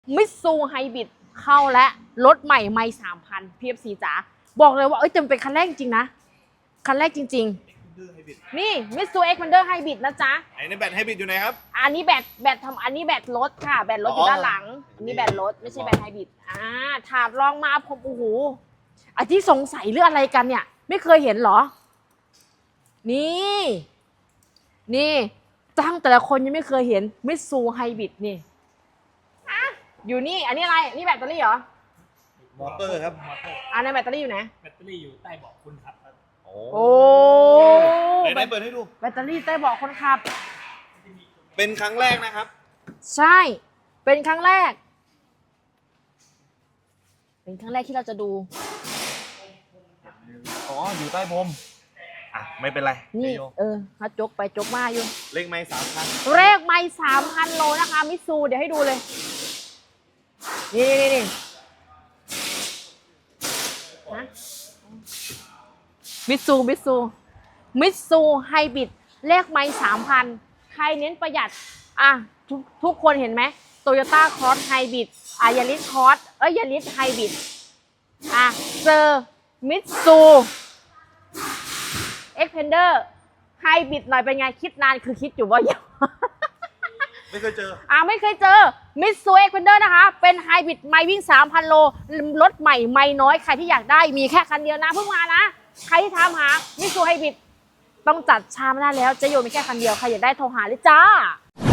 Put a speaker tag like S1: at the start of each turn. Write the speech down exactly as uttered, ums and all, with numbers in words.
S1: มิตซูไฮบริดเข้าและรถใหม่ไม่สามพันพีเอฟซีจ๋าบอกเลยว่าเอ้ยเต็มเป็นคันแรกจริงนะคันแรกจริงๆนี่มิตซูเอ็กซ์พันเดอร์ไฮบริดนะจ๊ะ
S2: ไอ้นี่แบตไฮบริดอยู่ไหนครับ
S1: อันนี้แบตแบตทำอันนี้แบตรถค่ะแบตรถอยู่ด้านหลังอันนี้แบตรถไม่ใช่แบตไฮบริดอ่าถาดรองมาผมโอ้โหไอ้ที่สงสัยเรื่องอะไรกันเนี่ยไม่เคยเห็นเหรอนี่นี่ตั้งแต่ละคนยังไม่เคยเห็นมิตซูไฮบริดนี่อยู่นี่อันนี้อะไรนี่แบตเตอรี่เหรอ
S2: มอเตอร์ครับ
S1: อันนั้นแบตเตอรี่อยู่ไหน
S3: แบตเตอรี่อยู่ใต้เบาะคนขับครับ
S1: โอ้
S2: ไหนๆเปิดให้ดู
S1: แบตเตอรี่ใต้เบาะคนขับ
S2: เป็นครั้งแรกนะครับ
S1: ใช่เป็นครั้งแรกเป็นครั้งแรกที่เราจะดู
S2: อ๋ออยู่ใต้พรมอ่ะไม่เป็นไร
S1: นี่เออเขาจกไปจกมาอยู่
S2: เลขไม้สามพัน
S1: เลขไม้สามพันโลนะคะมิตซูเดี๋ยวให้ดูเลยนี่นี่นี่มิตซูมิตซูมิตซูไฮบริดเลขไม้สามพันใครเน้นประหยัดอ่ะทุกทุกคนเห็นไหมโตโยต้าครอสไฮบริดอ่ะยาริสครอสเอ้ยยาริสไฮบริดอ่ะเจอมิตซูเอ็กเพนเดอร์ไฮบริดหน่อยเป็นไงคิดนานคือคิดอยู่ว่าอย่าง
S2: ไม่เคยเจอ
S1: อ่าไม่เคยเจอมิตซูเอ็กเพนเดอร์นะคะเป็นไฮบริดไม่วิ่ง สามพัน โลรถใหม่ไม่น้อยใครที่อยากได้มีแค่คันเดียวนะเพิ่งมานะใครที่ถามหามิตซูไฮบริดต้องจัดชามหน้าแล้วจะโยมีแค่คันเดียวใครอยากได้โทรหาเลยจ้า